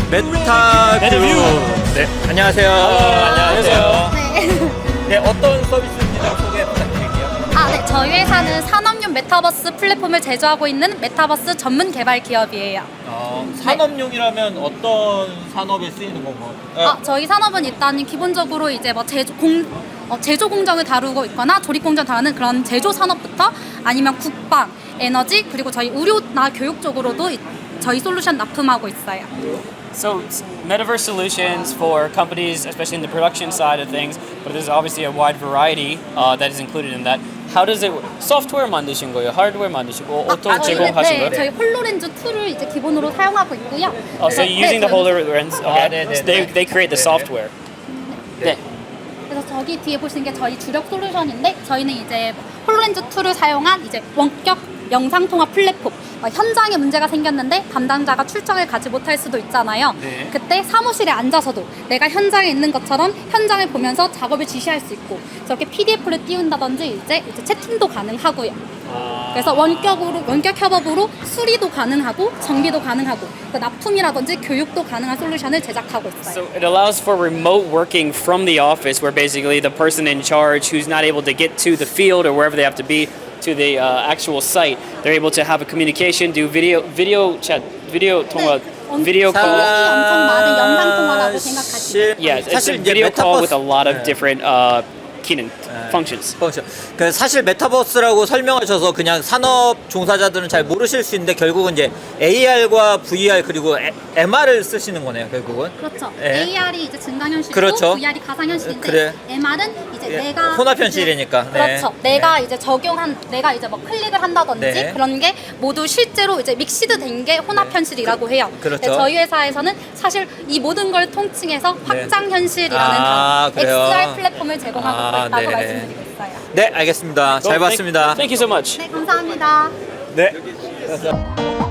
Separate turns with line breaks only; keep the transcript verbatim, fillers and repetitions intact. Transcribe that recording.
메타뷰.
메타뷰.
네, 안녕하세요.
안녕하세요.
네.
네, 어떤 서비스인지 좀 소개 부탁드릴게요.
아, 네. 저희 회사는 산업용 메타버스 플랫폼을 제조하고 있는 메타버스 전문 개발 기업이에요.
어, 산업용이라면 어떤 산업에 쓰이는 건가요?
아, 저희 산업은 일단 기본적으로 이제 뭐 제조 공 어, 제조 공정을 다루고 있거나 조립 공정 다루는 그런 제조 산업부터 아니면 국방, 에너지 그리고 저희 의료나 교육 쪽으로도 이- 저희 솔루션 납품하고 있어요.
So it's metaverse solutions for companies, especially in the production side of things, but there's obviously a wide variety uh, that is included in that. How does it work? 소프트웨어 만드신 거예요? 하드웨어 만드시고 어떤
아, 저희는,
제공하신
네,
거예요?
저희 홀로렌즈 툴을 이제 기본으로 사용하고 있고요.
Oh, so
그래서-
you're using
네,
the HoloLens?
아,
Okay.
네, 네,
So they
네.
they create the
네, 네.
software. 네.
그래서 저기 뒤에 보시는 게 저희 주력 솔루션인데 저희는 이제 홀로렌즈 툴을 사용한 이제 원격 영상 통화 플랫폼. 어, 현장에 문제가 생겼는데 담당자가 출장을 가지 못할 수도 있잖아요.
네.
그때 사무실에 앉아서도 내가 현장에 있는 것처럼 현장을 보면서 작업을 지시할 수 있고 저렇게 피디에프를 띄운다든지 이제, 이제 채팅도 가능하고요. 그래서 원격으로 원격 협업으로 수리도 가능하고 정비도 가능하고 그 납품이라든지 교육도 가능한 솔루션을 제작하고 있어요.
So it allows for remote working from the office, where basically the person in charge who's not able to get to the field or wherever they have to be to the uh, actual site, they're able to have a communication, do video video chat, video 통화,
엄-
video
사-
call.
엄청 많은 영상 통화라고 생각하시면
사실-
Yeah, it's
사실
a
이제
video call
메타버스-
with a lot of
네.
different uh, 기능, functions.
펑션. 그 사실 메타버스라고 설명하셔서 그냥 산업 종사자들은 잘 모르실 수 있는데 결국은 이제 에이알과 브이알 그리고 엠알을 쓰시는 거네요, 결국은.
그렇죠.
예.
에이알이 이제 증강현실이고
그렇죠.
브이알이 가상현실인데
그래.
엠알은 이제
예,
내가
혼합현실이니까.
이제-
네.
그렇죠. 내가 이제 적용한 내가 이제 뭐 클릭을 한다든지
네.
그런 게 모두 실제로 이제 믹시드 된 게 혼합현실이라고 해요.
그렇죠.
근데 저희 회사에서는 사실 이 모든 걸 통칭해서
네.
확장현실이라는
아,
단어,
그래요?
엑스알 플랫폼을 제공하고
아,
있다고
네네.
말씀드리고 있어요.
네, 알겠습니다. 잘
Well, thank-
봤습니다.
Thank you so much.
네, 감사합니다.
네.